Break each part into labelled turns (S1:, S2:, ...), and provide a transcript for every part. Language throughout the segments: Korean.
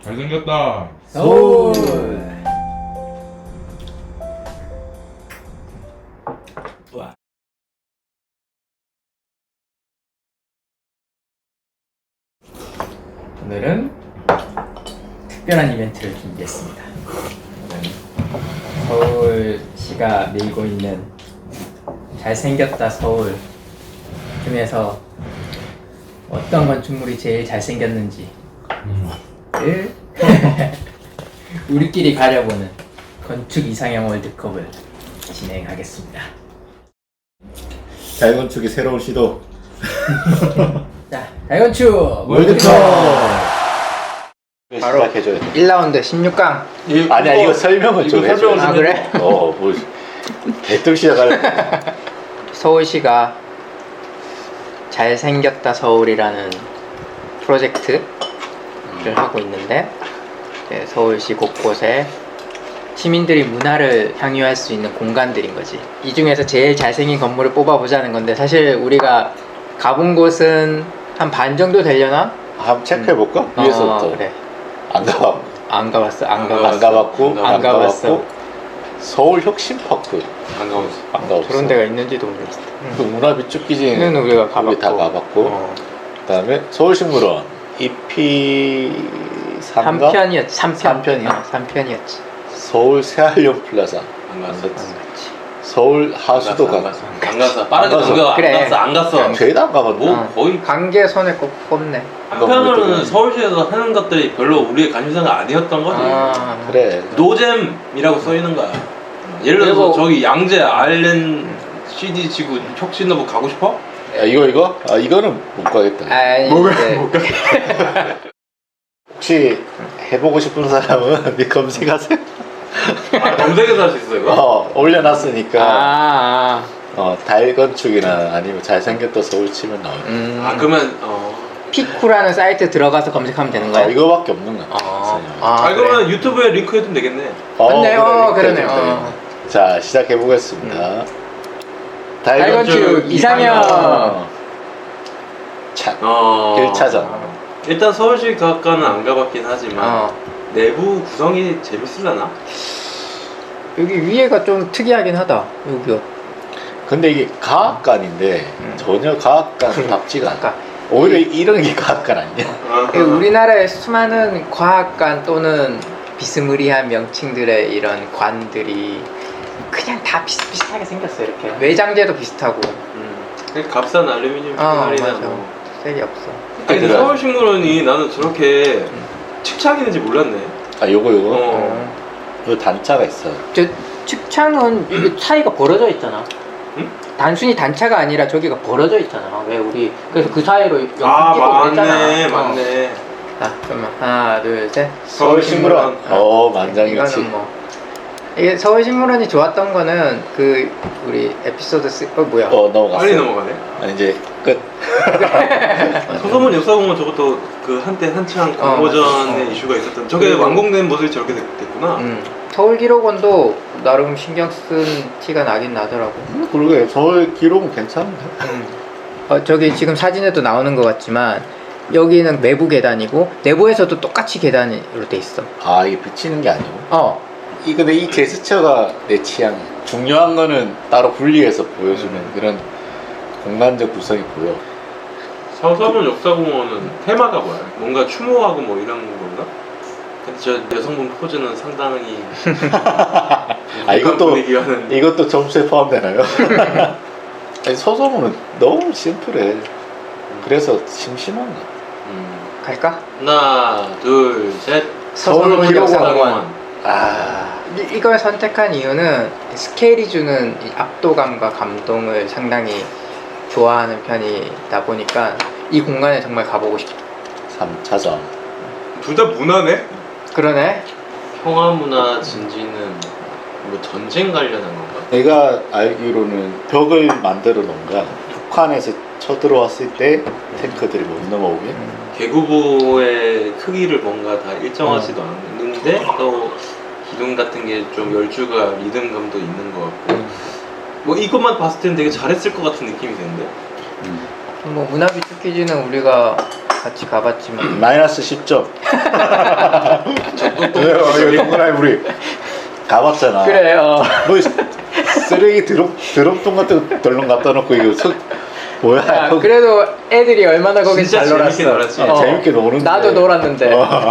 S1: 잘생겼다.
S2: 서울.
S3: 와. 오늘은 특별한 이벤트를 준비했습니다. 오늘은 서울시가 밀고 있는 잘생겼다 서울 중에서 어떤 건축물이 제일 잘생겼는지를 우리끼리 가려보는 건축 이상형 월드컵을 진행하겠습니다.
S2: 자유건축의 새로운 시도
S3: 자, 대건축
S2: 월드컵.
S3: 바로
S2: 시작해줘야 돼.
S3: 1라운드 16강.
S2: 아니야 이거 설명을 좀 해줘.
S3: 아, 그래?
S2: 뭐 대뜸 시작할.
S3: 서울시가 잘생겼다 서울이라는 프로젝트를 하고 있는데 서울시 곳곳에 시민들이 문화를 향유할 수 있는 공간들인 거지. 이 중에서 제일 잘생긴 건물을 뽑아보자는 건데 사실 우리가 가본 곳은 한 반 정도 되려나?
S2: 한번 체크해 볼까? 위에서부터.
S3: 그래.
S2: 안 가봤고.
S3: 안 가봤어. 안
S2: 안
S3: 가봤어.
S2: 가봤고.
S3: 안 가봤어.
S2: 서울 혁신파크.
S1: 안 가봤어.
S2: 안 가봤어.
S3: 그런 데가 있는지도 모르겠어.
S2: 그 문화 비축기지는
S3: 는 우리가 가봤고.
S2: 우리 다 가봤고. 그다음에 서울식물원 EP 3가
S3: 3편이었지. 3편.
S2: 3편이야?
S3: 3편이었지.
S2: 서울 새한령 플라자.
S1: 안 갔어.
S2: 갔지.
S3: 맞지.
S2: 서울 하수도
S1: 안
S2: 가.
S1: 갔어. 안 갔어. 빠르게
S2: 안 갔어.
S1: 넘겨.
S3: 그래.
S1: 안 갔어. 안 갔어.
S2: 죄다 안 가봤네.
S1: 뭐 거의
S3: 관계 손에 꼭 꼽네.
S1: 한편으로는 서울시에서 하는 것들이 별로 우리의 관심사가 아니었던 거지.
S2: 그래.
S1: 노잼이라고 써 있는 거야. 예를 들어서
S3: 그리고-
S1: 저기 양재 알렌 CD 지구 혁신너브 가고 싶어?
S2: 야, 이거? 아, 이거는 못 가겠다.
S3: 아니, 네.
S2: 혹시 해보고 싶은 사람은 네 검색하세요.
S1: 검색해서 할 수 있어 이거?
S2: 올려놨으니까
S3: 아,
S2: 달건축이나 아니면 잘생겼다 서울 치면 나와요.
S1: 아 그러면
S3: 피쿠라는 사이트 들어가서 검색하면 되는 거야?
S2: 이거밖에 없는 것 같아.
S1: 그러면 유튜브에 링크 해두면 되겠네.
S3: 맞네, 그러네.
S2: 그래. 자, 시작해보겠습니다.
S3: 달건축 이상형.
S2: 차.
S1: 어.
S2: 1차전.
S1: 일단 서울시 과학관은 안 가봤긴 하지만 내부 구성이 재밌으려나?
S3: 여기 위에가 좀 특이하긴 하다. 여기가.
S2: 근데 이게 과학관인데 전혀 과학관답지가 않아.
S3: 그러니까
S2: 오히려 이런 게 과학관 아니야?
S3: 우리나라의 수많은 과학관 또는 비스무리한 명칭들의 이런 관들이 그냥 다 비슷비슷하게 생겼어. 이렇게 외장재도 비슷하고.
S1: 그냥 값싼 알루미늄
S3: 맞아.
S1: 패널이나 뭐.
S3: 색이 없어.
S1: 아니 근데
S2: 그래.
S1: 서울식물원이 나는 저렇게 측창이 있는지 몰랐네.
S2: 아, 요거.
S1: 어.
S2: 요 단차가 있어.
S3: 저 측창은 이게 차이가 벌어져 있잖아.
S1: 응?
S3: 단순히 단차가 아니라 저기가 벌어져 있잖아. 왜 우리 그래서 그 사이로 연필 끼고
S1: 맞네,
S3: 그랬잖아.
S1: 맞네.
S3: 자, 그러면 하나, 둘, 셋.
S1: 서울식물원.
S2: 만장일치.
S3: 이거는 뭐 이게 서울식물원이 좋았던 거는 그 우리 에피소드 3 뭐야?
S2: 넘어갔어.
S1: 빨리 넘어가네.
S2: 이제 끝.
S1: 서소문 역사공원 저것도 그 한때 한창 공모전의
S3: 맞아.
S1: 이슈가 있었던 저게
S3: 그리고-
S1: 완공된 모습이 저렇게 됐구나.
S3: 서울기록원도 나름 신경 쓴 티가 나긴 나더라고.
S2: 그러게 서울 기록은 괜찮은데.
S3: 저기 지금 사진에도 나오는 것 같지만 여기는 내부 계단이고 내부에서도 똑같이 계단으로 돼 있어.
S2: 아, 이게 비치는 게 아니고. 근데 이 제스처가 내 취향이야. 중요한 거는 따로 분리해서 보여주는 그런 공간적 구성이 보여.
S1: 서소문 역사공원은 테마가 뭐야? 뭔가 추모하고 뭐 이런 건가? 근데 저 여성분 포즈는 상당히
S2: 이것도 점수에 포함되나요? 아니, 서소문은 너무 심플해. 그래서 심심한가?
S3: 갈까?
S1: 하나, 둘, 셋.
S3: 서소문 역사공원.
S2: 아,
S3: 이걸 선택한 이유는 스케일이 주는 이 압도감과 감동을 상당히 좋아하는 편이다 보니까 이 공간에 정말 가보고 싶어.
S2: 3차전.
S1: 둘 다 문화네?
S3: 그러네.
S1: 평화문화 진지는 뭐 전쟁 관련한 건가?
S2: 내가 알기로는 벽을 만들어 놓은 거야. 북한에서 쳐들어왔을 때 탱크들이 못 넘어오게.
S1: 개구보의 크기를 뭔가 다 일정하지도 않는데 또 기둥 같은 게 좀 열주가 리듬감도 있는 것 같고 뭐 이것만 봤을 때는 되게 잘했을 것 같은 느낌이 드는데
S3: 뭐 문화 비축 퀴즈는 우리가 같이 가봤지만
S2: 마이너스 10점. 동그라미 우리 가봤잖아.
S3: 그래
S2: 뭐 쓰레기 드럼통 같은 거 덜렁 갖다 놓고 이거 뭐야?
S3: 야, 그래도 애들이 얼마나 거기
S1: 진짜
S3: 잘 놀았어.
S1: 재밌게 놀았지.
S2: 재밌게 노는데.
S3: 나도 놀았는데.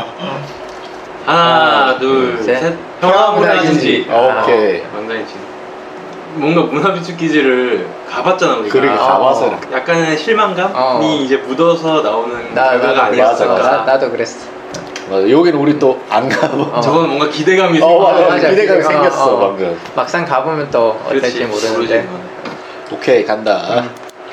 S1: 하나, 둘,
S3: 셋.
S1: 셋. 평화문화진지.
S2: 오케이.
S1: 망가이지. 뭔가 문화비축 기지를 가봤잖아 우리가.
S2: 그러게 가봐서.
S1: 약간의 실망감이 이제 묻어서 나오는 결과가 아니었을까.
S2: 맞아.
S3: 나도 그랬어.
S2: 맞아. 여기는 우리 또 안 가봐.
S1: 저건 뭔가 기대감이
S2: 맞아.
S3: 맞아.
S2: 기대감이
S3: 기대감.
S2: 생겼어 방금.
S3: 막상 가보면 또 어떨지 모르는데.
S2: 오케이 간다.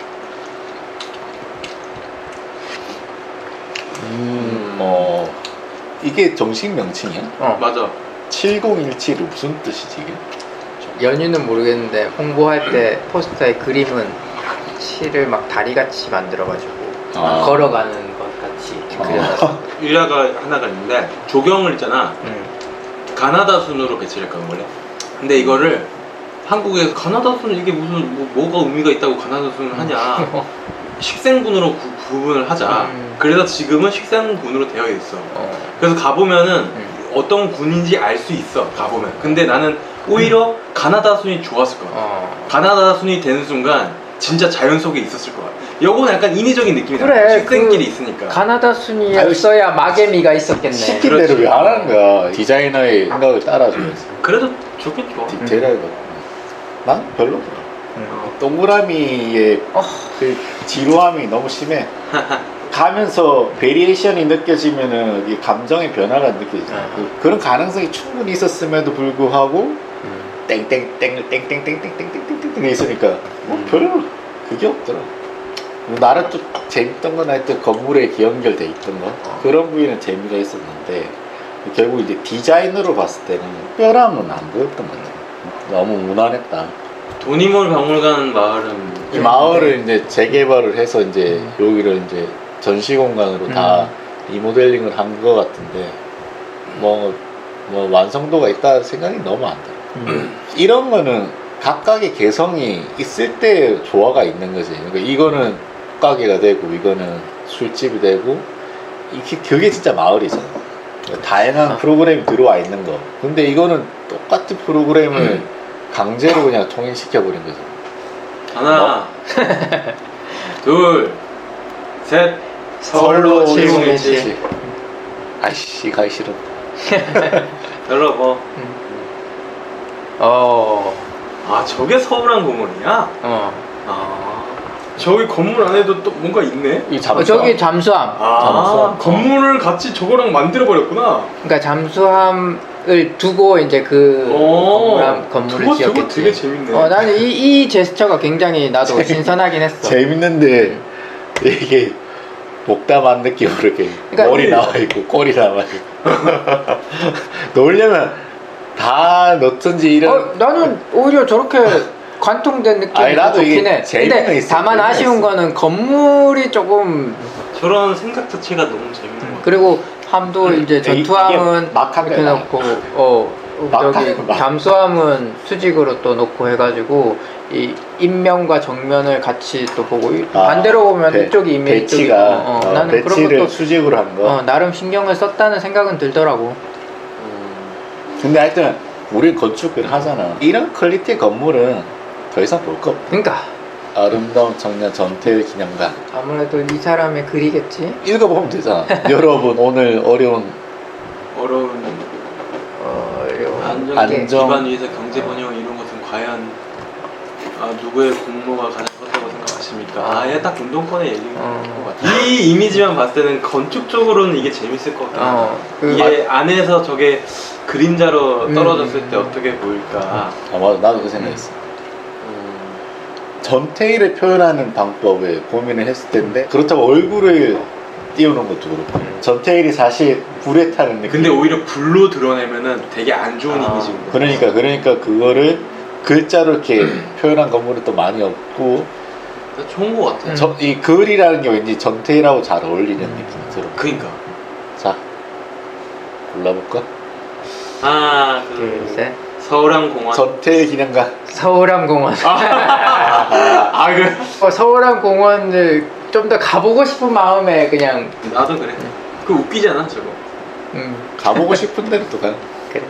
S2: 이게 정식 명칭이야?
S1: 맞아.
S2: 7017이 무슨 뜻이지 이게?
S3: 연유는 모르겠는데 홍보할 때 포스터에 그림은 실을 막 다리같이 만들어가지고 걸어가는 것 같이 그려놨어.
S1: 일화가 하나가 있는데 조경을 있잖아. 가나다 순으로 배치를 했거든 원래. 근데 이거를 한국에서 가나다 순 이게 무슨 뭐가 의미가 있다고 가나다 순을 하냐. 식생군으로 구분을 하자. 그래서 지금은 식생군으로 되어 있어. 그래서 가보면은 어떤 군인지 알 수 있어. 가보면. 근데 나는 오히려 가나다 순이 좋았을 거야. 가나다 순이 되는 순간 진짜 자연 속에 있었을 거야. 요거는 약간 인위적인 느낌이다.
S3: 그래,
S1: 식생길이 있으니까.
S3: 가나다 순이었어야 마개미가 있었겠네.
S2: 시킨 대로 왜 안 하는 거야? 디자이너의 생각을 따라주면서.
S1: 그래도 좋긴 좋아.
S2: 디테일하게. 난 별로더라. 동그라미의 그 지루함이 너무 심해. 가면서 베리에이션이 느껴지면은 이 감정의 변화가 느껴지잖아. 그런 가능성이 충분히 있었음에도 불구하고 땡땡땡땡땡땡땡땡땡땡땡 있으니까 별로 그게 없더라. 나는 좀 재밌던 건 하여튼 건물에 연결돼 있던 거 그런 부위는 재미가 있었는데 결국 이제 디자인으로 봤을 때는 특별함은 안 보였던 것 같아. 너무 무난했다.
S1: 도니몰 박물관 마을은
S2: 이 마을을 이제 재개발을 해서 이제 여기를 이제 전시 공간으로 다 리모델링을 한 것 같은데 뭐 완성도가 있다 생각이 너무 안 들어. 이런 거는 각각의 개성이 있을 때 조화가 있는 거지. 그러니까 이거는 가게가 되고 이거는 술집이 되고 그게 진짜 마을이잖아. 다양한 프로그램이 들어와 있는 거. 근데 이거는 똑같은 프로그램을 강제로 그냥 통일시켜버린 거죠.
S1: 하나, 둘, 셋.
S3: 서울로 7017.
S2: 아이씨 가기 싫어.
S1: 열어봐. 아 저게 서울한 건물이야? 아 저기 건물 안에도 또 뭔가 있네?
S2: 이 잠수함.
S3: 저기 잠수함.
S1: 아 건물을 같이 저거랑 만들어 버렸구나.
S3: 그러니까 잠수함을 두고 이제 그 건물을
S1: 저거
S3: 지었겠지.
S1: 되게 재밌네.
S3: 나는 이 제스처가 굉장히 나도 신선하긴 했어.
S2: 재밌는데 이게 목담한 느낌으로 이렇게
S3: 그러니까
S2: 머리 나와 있고 꼬리 나와 있고 넣으려면 다 넣던지 이런.
S3: 나는 오히려 저렇게 관통된 느낌이
S2: 아니, 나도
S3: 좋긴
S2: 이게
S3: 해.
S2: 재미가
S3: 근데
S2: 있어,
S3: 다만
S2: 재미가
S3: 아쉬운
S2: 있어.
S3: 거는 건물이 조금
S1: 저런 생각 자체가 너무 재밌는 것 같아.
S3: 그리고 함도 이제
S2: 이게
S3: 전투함은
S2: 막한
S3: 이렇게
S2: 거야.
S3: 놓고 저기
S2: 막.
S3: 잠수함은 수직으로 또 놓고 해가지고 이 인면과 정면을 같이 또 보고 반대로 보면 이쪽이 인면 이쪽이
S2: 배치가
S3: 나는 그런
S2: 배치를
S3: 것도
S2: 수직으로 한 거.
S3: 나름 신경을 썼다는 생각은 들더라고.
S2: 근데 하여튼 우리 건축을 하잖아. 이런 퀄리티의 건물은 더 이상 볼 거 없다.
S3: 그러니까
S2: 아름다운 청년 전태일 기념관.
S3: 아무래도 이 사람의 글이겠지.
S2: 읽어보면 되잖아. 여러분 오늘 어려운
S1: 안정된 기반 위에서 경제 번영 이룬 것은 과연 누구의 공로가 가장 컸다고 생각하십니까? 아예 딱 운동권의 얘기인 것 같아. 이 이미지만 봤을 때는 건축적으로는 이게 재밌을 것 같아. 이게 안에서 저게 그림자로 떨어졌을 때 어떻게 보일까?
S2: 맞아, 나도 그 생각했어. 전태일을 표현하는 방법에 고민을 했을 텐데 그렇다고 얼굴을 띄우는 것도 그렇고 전태일이 사실 불에 타는 느낌.
S1: 근데 오히려 불로 드러내면은 되게 안 좋은 이미지인 거야.
S2: 그러니까 그거를 글자로 이렇게 표현한 건물은 또 많이 없고
S1: 좋은 것 같아.
S2: 이 글이라는 게 왠지 전태일하고 잘 어울리는 느낌이 들어.
S1: 그니까.
S2: 자 골라볼까?
S1: 하나,
S3: 둘, 셋.
S1: 서울항공원.
S2: 전태일 기념관.
S3: 서울암공원.
S1: 그
S3: 서울암공원을 좀 더 가보고 싶은 마음에 그냥
S1: 나도 그래. 그 웃기잖아 저거.
S2: 가보고 싶은 데로 또 가.
S3: 그래.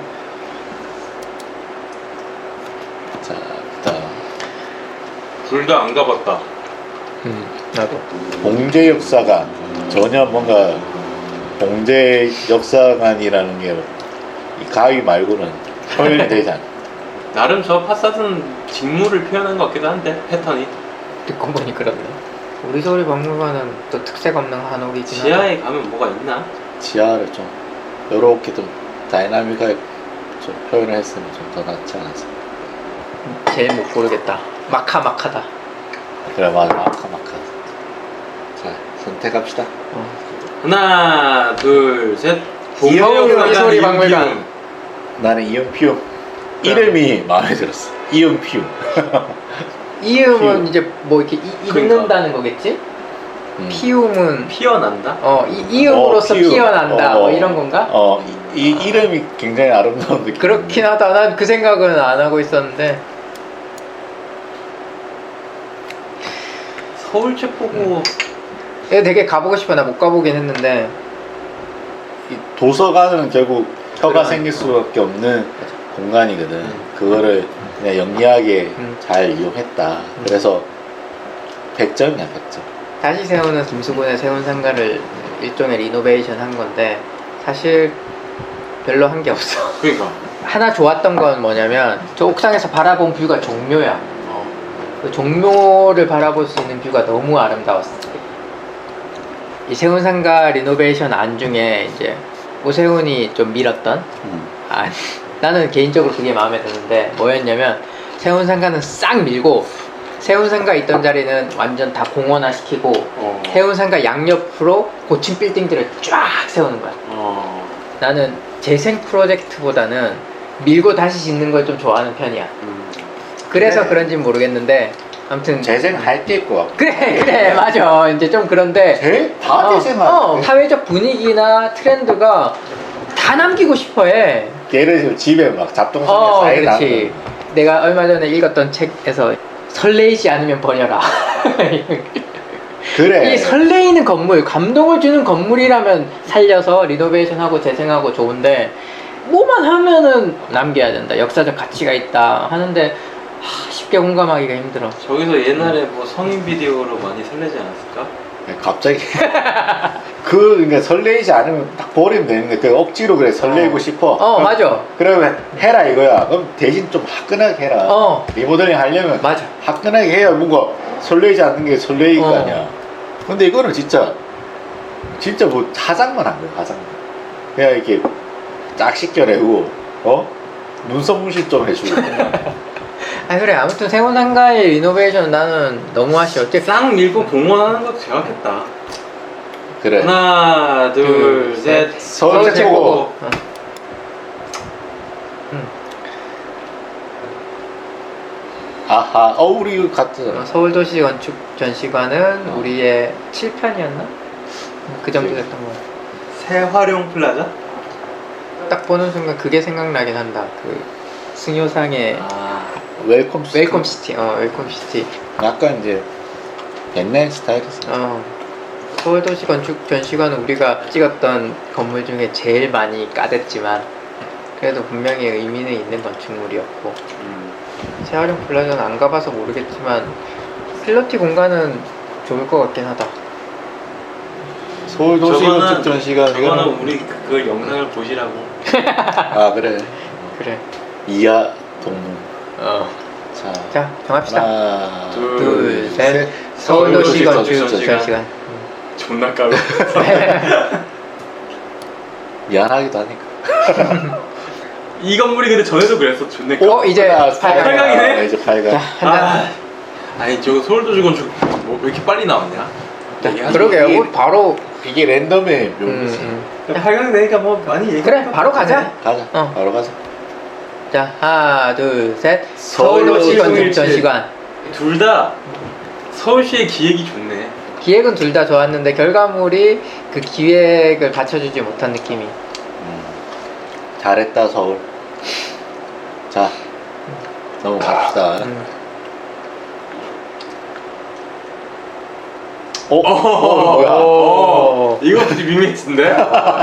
S2: 자, 그다음
S1: 둘 다 안 가봤다.
S3: 나도.
S2: 봉제 역사관. 전혀 뭔가 봉제 역사관이라는 게 이 가위 말고는 표현이 되지 않아.
S1: 나름 저 파사드는 직무를 표현한 것 같기도 한데 패턴이.
S3: 듣고 보니 그렇네. 우리 서울 박물관은 또 특색 없는 한옥이긴 하다.
S1: 지하에 가면 뭐가 있나?
S2: 지하를 좀 요렇게 좀 다이나믹하게 좀 표현을 했으면 좀 더 낫지 않았을까.
S3: 제일 못 고르겠다. 마카마카다.
S2: 그래 맞아 마카마카. 자 선택합시다.
S1: 하나, 둘, 셋.
S3: 이호우 소리 박물관.
S2: 나는 이응피움 이름이 마음에 들었어. 이응피움.
S3: 이음은
S2: 피움.
S3: 이제 뭐 이렇게
S1: 그러니까.
S3: 읽는다는 거겠지? 피움은
S1: 피어난다?
S3: 이음으로써
S2: 피움.
S3: 피어난다 뭐 이런 건가?
S2: 이 이름이 굉장히 아름다운 느낌.
S3: 그렇긴 하다. 난 그 생각은 안 하고 있었는데.
S1: 서울책보고
S3: 이거 되게 가보고 싶어. 나 못 가보긴 했는데.
S2: 이 도서관은 결국 혀가
S1: 그래.
S2: 생길 수밖에 없는 공간이거든. 그거를 그냥 영리하게 잘 이용했다. 그래서 100점이야 100점.
S3: 다시 세우는 김수근의 세운상가를 일종의 리노베이션 한 건데 사실 별로 한 게 없어.
S1: 그러니까
S3: 하나 좋았던 건 뭐냐면 저 옥상에서 바라본 뷰가 종묘야. 그 종묘를 바라볼 수 있는 뷰가 너무 아름다웠어. 이 세운상가 리노베이션 안 중에 이제 오세훈이 좀 밀었던 나는 개인적으로 그게 마음에 드는데 뭐였냐면 세운상가는 싹 밀고 세운상가 있던 자리는 완전 다 공원화 시키고 세운상가 양옆으로 고층 빌딩들을 쫙 세우는 거야. 나는 재생 프로젝트보다는 밀고 다시 짓는 걸 좀 좋아하는 편이야. 그래서
S2: 그래.
S3: 그런진 모르겠는데 아무튼
S2: 재생할 게 있고
S3: 그래 맞아. 이제 좀 그런데
S2: 다 재생할
S3: 사회적 분위기나 트렌드가 다 남기고 싶어해.
S2: 예를 들면 집에 막 잡동사니 사이
S3: 그렇지. 내가 얼마 전에 읽었던 책에서 설레이지 않으면 버려라.
S2: 그래.
S3: 이 설레이는 건물, 감동을 주는 건물이라면 살려서 리노베이션하고 재생하고 좋은데 뭐만 하면은 남겨야 된다. 역사적 가치가 있다 하는데 쉽게 공감하기가 힘들어.
S1: 저기서 옛날에 뭐 성인 비디오로 많이 설레지 않았을까?
S2: 갑자기 그러니까 설레이지 않으면 딱 버리면 되는데 그 억지로 그래 설레이고 싶어. 그럼,
S3: 맞아.
S2: 그러면 해라 이거야. 그럼 대신 좀 화끈하게 해라. 리모델링 하려면
S3: 맞아.
S2: 화끈하게 해야 뭔가 설레이지 않는 게 설레일 거 아니야. 근데 이거는 진짜 뭐 화장만 한 거야. 화장만. 그냥 이렇게 쫙 씻겨내고 눈썹 문신 좀 해주고.
S3: 그래. 아무튼 세운상가의 리노베이션 나는 너무 아쉬웠지.
S1: 싹 밀고 공원하는 것도 제각했다.
S2: 그래.
S1: 하나, 둘, 셋.
S2: 서울 최고. 아하. 우리 이거 같은.
S3: 서울도시 건축 전시관은 우리의 7편이었나? 그 정도 됐던 거 같아.
S1: 새활용 플라자?
S3: 딱 보는 순간 그게 생각나긴 한다. 그 승효상의
S2: 웰컴 시티.
S3: 웰컴 시티. 웰컴 시티.
S2: 약간 이제 옛날 스타일이었어.
S3: 서울도시 건축 전시관은 우리가 찍었던 건물 중에 제일 많이 까댔지만 그래도 분명히 의미는 있는 건축물이었고 재활용 플라자는 안 가봐서 모르겠지만 필로티 공간은 좋을 것 같긴 하다.
S2: 서울 도시 건축 전시관
S1: 저거는 우리 그 영상을 보시라고.
S2: 그래.
S3: 그래.
S2: 이하 동문.
S3: 자 정합시다.
S2: 하나,
S3: 둘, 셋.
S1: 서울도시
S3: 서울도시 건축
S1: 건축
S3: 전시관.
S1: 존나 까고.
S2: 미안하기도 하니까.
S1: 이 건물이 근데 전에도 그랬어. 존나 까.
S3: 이제
S1: 8강이네?
S2: 이제 8강.
S1: 아니 저거 서울도시 건축 뭐 왜 이렇게 빨리 나왔냐?
S3: 그러게요. 바로
S2: 이게 랜덤의 묘미지.
S1: 8강 되니까 뭐 많이 얘기.
S3: 그래 바로 가자.
S2: 가자. 바로 가자.
S3: 자 하나 둘 셋.
S2: 서울도시
S3: 서울도시 건축
S1: 건축
S3: 전시관.
S1: 둘 다 서울시의 기획이 좋네.
S3: 기획은 둘 다 좋았는데 결과물이 그 기획을 받쳐주지 못한 느낌이.
S2: 잘했다 서울. 자 넘어갑시다. 뭐야?
S1: 이거 되게 밋밋인데?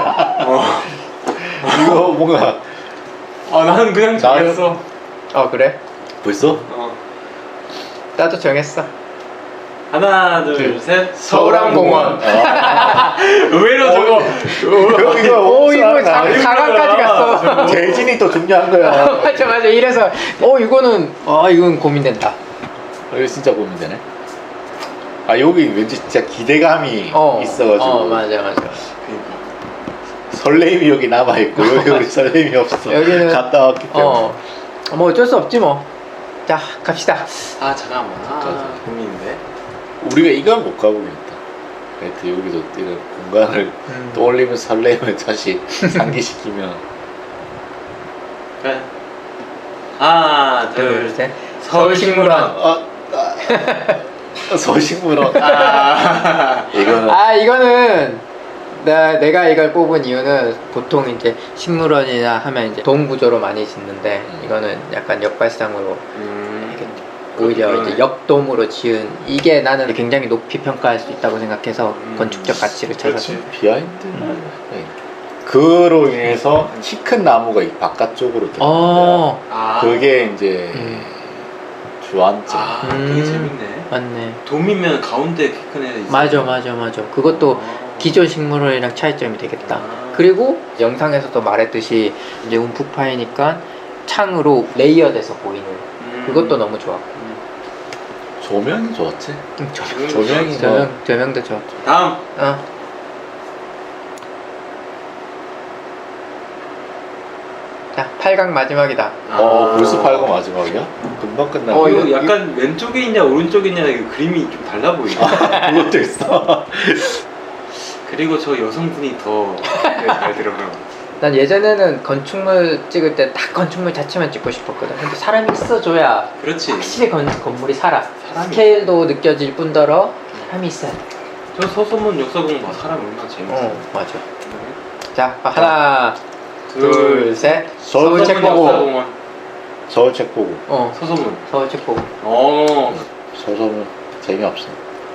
S2: 이거 뭔가
S1: 나는 그냥 정했어.
S3: 그래?
S2: 벌써?
S3: 나도 정했어.
S1: 하나, 둘, 셋.
S3: 서울항공원.
S1: 의외로 저거.
S3: 이거 자강까지 갔어.
S2: 재진이 또 중요한 거야.
S3: 맞아. 이래서 이건 고민된다.
S2: 이거 진짜 고민되네. 여기 왠지 진짜 기대감이 있어가지고.
S3: 맞아.
S1: 그러니까.
S2: 설렘이 여기 남아있고 여기 우리 설렘이 없어.
S3: 여기는
S2: 갔다 왔기 때문에.
S3: 뭐 어쩔 수 없지 뭐. 자, 갑시다.
S1: 잠깐만. 고민인데.
S2: 우리가 이건 못 가보겠다. 하여튼 여기도 이런 공간을 떠올리면서 설렘을 다시 상기시키면.
S1: 그래. 하나, 둘,
S3: 셋.
S1: 서울식물원.
S2: 서울식물원.
S3: 이거는 내가 이걸 뽑은 이유는 보통 이제 식물원이나 하면 이제 동 구조로 많이 짓는데 이거는 약간 역발상으로 오히려 이제 역돔으로 지은 이게 나는 굉장히 높이 평가할 수 있다고 생각해서 건축적 가치를 찾아서.
S2: 비하인드. 그로 인해서 키 큰 나무가 이 바깥쪽으로 들어가는데 그게 이제 주안점.
S1: 되게 재밌네.
S3: 맞네.
S1: 돔이면 가운데 키 큰 애 있어.
S3: 맞아. 그것도 기존 식물원이랑 차이점이 되겠다. 그리고 영상에서도 말했듯이 이제 움푹 파이니까 창으로 레이어돼서 보이는 그것도 너무 좋아.
S2: 조명이 좋았지.
S1: 조명이
S3: 조명도 좋아.
S1: 다음.
S3: 자, 8강 마지막이다.
S2: 벌써 8강 마지막이야? 금방 끝나.
S1: 이거 약간 왼쪽에 있냐 오른쪽에 있냐 이거 그림이 좀 달라 보이네.
S2: 그것도 있어.
S1: 그리고 저 여성분이 더 잘 들어가요.
S3: 난 예전에는 건축물 찍을 때 딱 건축물 자체만 찍고 싶었거든. 근데 사람이 있어줘야
S1: 그렇지.
S3: 확실히 건물이 살아.
S1: 사람이.
S3: 스케일도 느껴질 뿐더러 사람이 있어야 돼.
S1: 저 서소문 역사공 봐. 사람 얼마나 재밌어.
S3: 맞아. 자, 하나, 둘, 셋.
S2: 서울 책 보고.
S1: 역사공원.
S2: 서울 책 보고.
S1: 서소문.
S3: 서울 책 보고.
S2: 서소문 재미없어.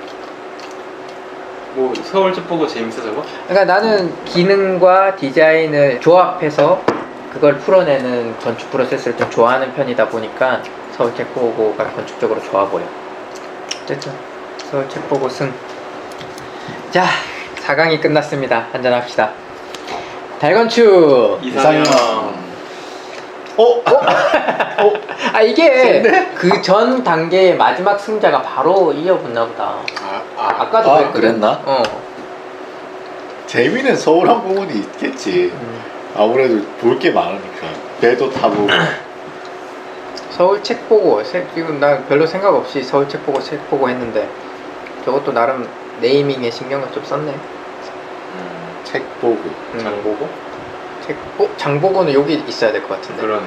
S1: 뭐 서울 책 보고 재밌어 저거?
S3: 그러니까 나는 기능과 디자인을 조합해서 그걸 풀어내는 건축 프로세스를 좀 좋아하는 편이다 보니까 서울 책 보고가 건축적으로 좋아 보여. 어쨌든 서울 책 보고 승. 자, 4강이 끝났습니다. 한잔합시다. 달건축.
S1: 이상형.
S3: 이게 그 전 단계의 마지막 승자가 바로 이어붙나 보다. 아까도
S2: 그랬나? 재미는 서울항공원이 있겠지. 아무래도 볼 게 많으니까. 배도 타고.
S3: 서울 책 보고 지금 나 별로 생각 없이 서울 책 보고 했는데 저것도 나름 네이밍에 신경을 좀 썼네.
S2: 책 보고.
S1: 장 보고?
S3: 장보고는 여기 있어야 될 것 같은데.
S1: 그러네.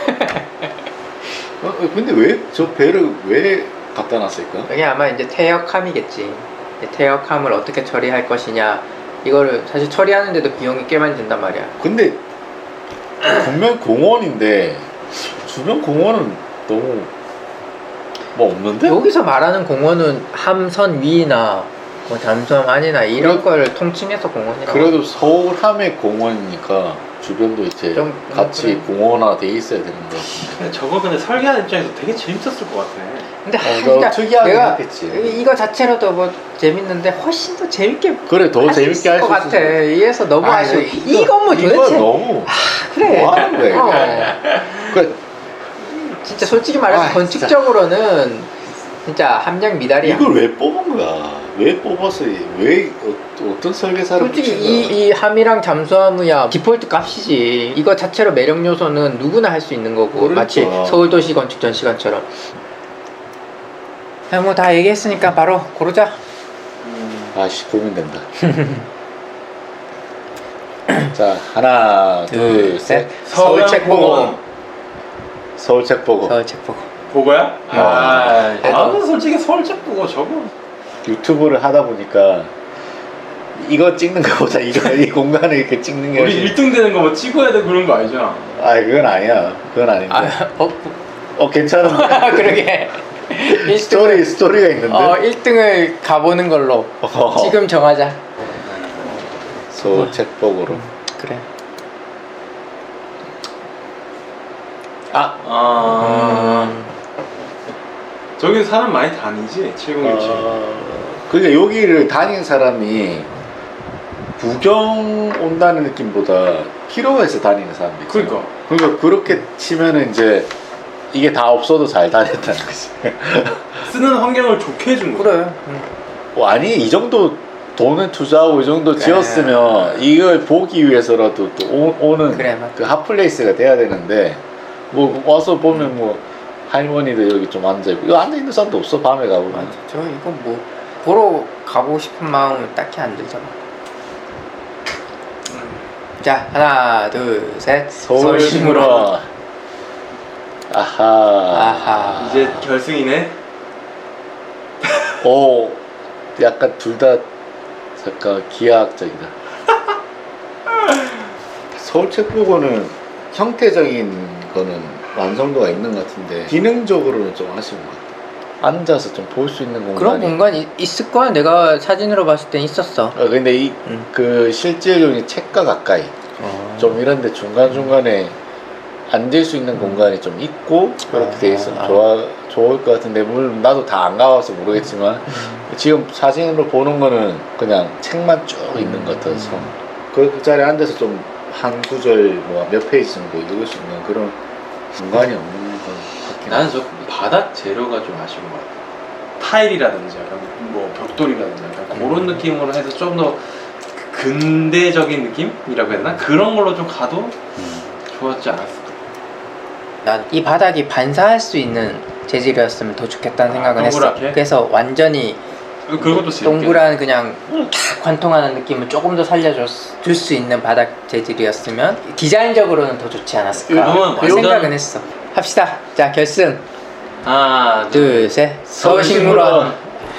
S2: 근데 왜 저 배를 왜 갖다 놨을까?
S3: 이게 아마 이제 퇴역함이겠지. 퇴역함을 어떻게 처리할 것이냐. 이거를 사실 처리하는데도 비용이 꽤 많이 든단 말이야.
S2: 근데 분명 공원인데 주변 공원은 너무 뭐 없는데?
S3: 여기서 말하는 공원은 함선 위나 뭐 잠수함 안이나 이런 걸 통칭해서 공원이라고.
S2: 그래도 서울 함의 공원이니까 주변도 이제
S3: 좀
S2: 같이
S3: 그래.
S2: 공원화 돼 있어야 되는 거 같은데.
S1: 근데 저거 근데 설계하는 입장에서 되게 재밌었을 것 같아.
S3: 근데
S2: 이거 특이하긴
S3: 내가
S2: 했겠지.
S3: 이거 자체로도 뭐 재밌는데 훨씬 더 재밌게
S2: 그래 더 재밌게 할
S3: 것
S2: 수
S3: 같아.
S2: 있어.
S3: 이래서 너무 아쉬워. 이 건물
S2: 이거
S3: 도대체
S2: 너무
S3: 그래.
S2: 뭐 하는 거야? 그래
S3: 진짜 솔직히 말해서 건축적으로는 진짜 함량 미달이야.
S2: 이걸 왜 뽑은 거야? 왜 뽑았어? 왜 어떤 설계사를
S3: 솔직히
S2: 붙인 거야?
S3: 이 함이랑 잠수함이야 디폴트 값이지. 이거 자체로 매력 요소는 누구나 할 수 있는 거고.
S2: 그러니까.
S3: 마치 서울도시 건축 전 시간처럼. 뭐 다 얘기했으니까 바로 고르자.
S2: 아씨 고민된다. 자 하나 둘 셋.
S3: 서울 책 보고.
S2: 서울 책 보고.
S3: 서울 책 보고.
S1: 보고야? 나는 솔직히 서울 책 보고 저거.
S2: 유튜브를 하다 보니까 이거 찍는 거보다 이 공간을 이렇게 찍는 게
S1: 우리 1등 되는 거 뭐 찍어야 돼 그런 거 아니잖아.
S2: 그건 아니야. 그건 아닌데. 괜찮은데.
S3: 그러게.
S2: 스토리가 있는데.
S3: 1등을 가보는 걸로 지금 정하자.
S2: 서울 책복으로.
S3: 그래.
S1: 저기 사람 많이 다니지 7017.
S2: 그러니까 여기를 다니는 사람이 구경 온다는 느낌보다 필요가 있어 다니는 사람들. 그러니까 그렇게 치면은 이제 이게 다 없어도 잘 다녔다는 거지.
S1: 쓰는 환경을 좋게 해준 거야.
S3: 그래.
S2: 아니 이 정도 돈을 투자하고 이 정도
S3: 그래.
S2: 지었으면 이걸 보기 위해서라도 또 오는
S3: 그래, 맞다.
S2: 그 핫플레이스가 돼야 되는데 뭐 와서 보면 뭐 할머니들 여기 좀 앉아있고 이거 앉아있는 사람도 없어 밤에 가보면.
S3: 맞아. 저 이거 뭐 보러 가보고 싶은 마음은 딱히 안 들잖아. 자, 하나, 둘, 셋.
S2: 서울식물원. 아하.
S1: 이제 결승이네.
S2: 오, 약간 둘 다 약간 기하학적이다. 서울책보고는 형태적인 거는 완성도가 있는 것 같은데 기능적으로는 좀 아쉬운 것 같아. 앉아서 좀 볼 수 있는 공간이.
S3: 그런 공간이 있을 거야. 내가 사진으로 봤을 땐 있었어.
S2: 근데 이 그 실질적인 책과 가까이 좀 이런데 중간중간에 앉을 수 있는 공간이 좀 있고 그렇게 돼 있으면 좋을 것 같은데 물론 나도 다 안 가봐서 모르겠지만 지금 사진으로 보는 거는 그냥 책만 쭉 있는 것 같아서 그 자리에 앉아서 좀 한 구절 뭐 몇 페이지 정도 읽을 수 있는 그런 공간이 없는 것 같긴
S1: 나는 저 바닥 재료가 좀 아쉬운 것 같아. 타일이라든지 약간 뭐 벽돌이라든지 약간 그런 느낌으로 해서 좀 더 근대적인 느낌이라고 해야 되나? 그런 걸로 좀 가도 좋았지 않았을까.
S3: 난 이 바닥이 반사할 수 있는 재질이었으면 더 좋겠다는 생각은 했어.
S1: 동그랗게?
S3: 그래서 완전히
S1: 그것도 재밌게.
S3: 동그란 그냥 탁 관통하는 느낌을 조금 더 살려줄 수 있는 바닥 재질이었으면 디자인적으로는 더 좋지 않았을까
S1: 그러면
S3: 그 생각은 했어. 합시다. 자, 결승.
S1: 하나,
S3: 둘, 셋. 서울식물원.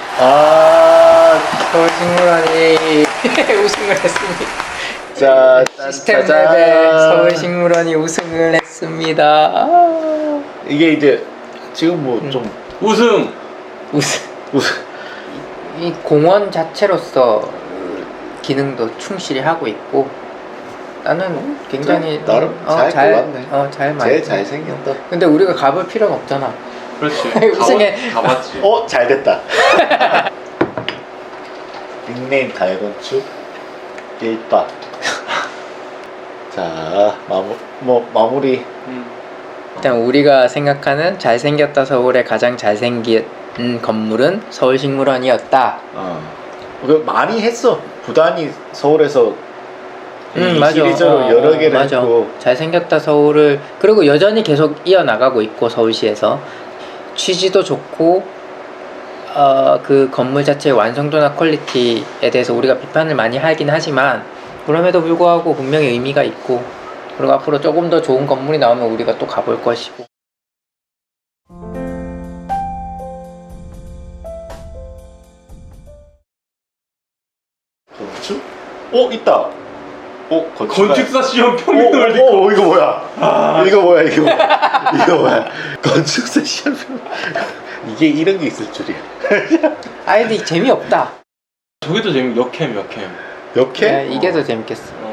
S3: 서울식물원이 우승을 했습니다.
S2: 자,
S3: 시스템
S2: 짜잔.
S3: 랩에 서울식물원이 우승을 했습니다.
S2: 이게 이제 지금 뭐 좀
S1: 우승.
S3: 이 공원 자체로서 기능도 충실히 하고 있고 나는 굉장히
S2: 나름 잘 골랐네.
S3: 잘
S2: 제일 잘생겼다.
S3: 근데 우리가 가볼 필요가 없잖아.
S1: 그렇지.
S3: 우승에-
S1: 가봤지.
S2: 잘 됐다. 닉네임 달건축 1박. 자, 마무리.
S3: 일단 우리가 생각하는 잘생겼다 서울의 가장 잘생긴 건물은 서울식물원이었다.
S2: 많이 했어. 부단히 서울에서
S3: 맞아.
S2: 시리즈로 여러 개를
S3: 맞아.
S2: 했고.
S3: 잘생겼다 서울을 그리고 여전히 계속 이어나가고 있고 서울시에서 취지도 좋고 그 건물 자체의 완성도나 퀄리티에 대해서 우리가 비판을 많이 하긴 하지만 그럼에도 불구하고 분명히 의미가 있고 그리고 앞으로 조금 더 좋은 건물이 나오면 우리가 또 가볼 것이고.
S2: 건축? 있다.
S1: 건축사 시험 평균을 듣고.
S2: 이거 뭐야? 이거 뭐야? 건축사 시험. 이게 이런 게 있을 줄이야.
S3: 근데 재미없다.
S1: 저게 더 역캠.
S2: 역해?
S3: 이게 더 재밌겠어.